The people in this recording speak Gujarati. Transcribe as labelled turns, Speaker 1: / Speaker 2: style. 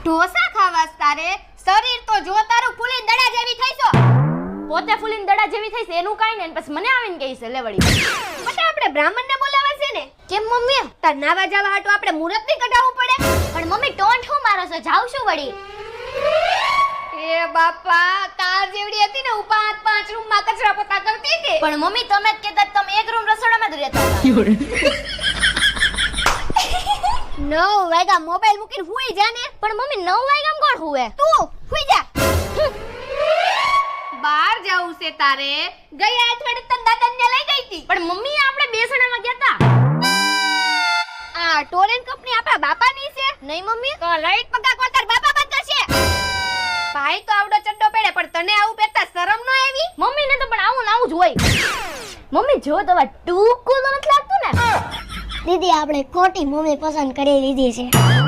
Speaker 1: ઢોસા ખાવાસ તારે? શરીર તો જો તારું ફૂલીન દડા જેવી થઈ છો.
Speaker 2: પોતે ફૂલીન દડા જેવી થઈ છે એનું કાઈ ને પછી મને આવીને કહી છે લેવડી.
Speaker 1: બટા આપણે બ્રાહ્મણને બોલાવા છે ને.
Speaker 2: કેમ મમ્મી?
Speaker 1: તાર નાવા જાવા હાટુ આપણે મુહૂર્ત ની કઢાવવું પડે.
Speaker 2: પણ મમ્મી ટોન્ટ હું મારો છો જાવ છું વળી.
Speaker 1: એ બાપા તાર જેવડી હતી ને હું 5 રૂમ માં કચરા પોતા કરતી હતી.
Speaker 2: પણ મમ્મી તમે જ કહેતા તમે એક રૂમ રસોડામાં જ રહેતા હતા.
Speaker 1: 9 વાગ્યા મોબાઈલ મૂકીને હુઈ જા ને.
Speaker 2: પણ મમ્મી 9 વાગ્યામાં કોણ હુવે?
Speaker 1: તું હુઈ જા. બહાર જાવું છે તારે? ગયા અઠવાડિયે તને દાદાને લઈ ગઈ હતી.
Speaker 2: પણ મમ્મી આપણે બે જણામાં ગયા હતા.
Speaker 1: આ ટોરેન્ટ કંપની આપણા બાપાની છે.
Speaker 2: નહીં મમ્મી.
Speaker 1: તો લાઈટ પગા કોણ તાર બાપા બંધ કરશે? ભાઈ તો આવડો ચડ્ડો પહેરે પણ તને આવું પહેરતા શરમ ન આવી?
Speaker 2: મમ્મી ને તો પણ આવું ને આવું જ હોય. મમ્મી જો તો ટૂંકું તો નથી લાગતું ને.
Speaker 3: દીદી આપણે ખોટી મમ્મી પસંદ કરી લીધી છે.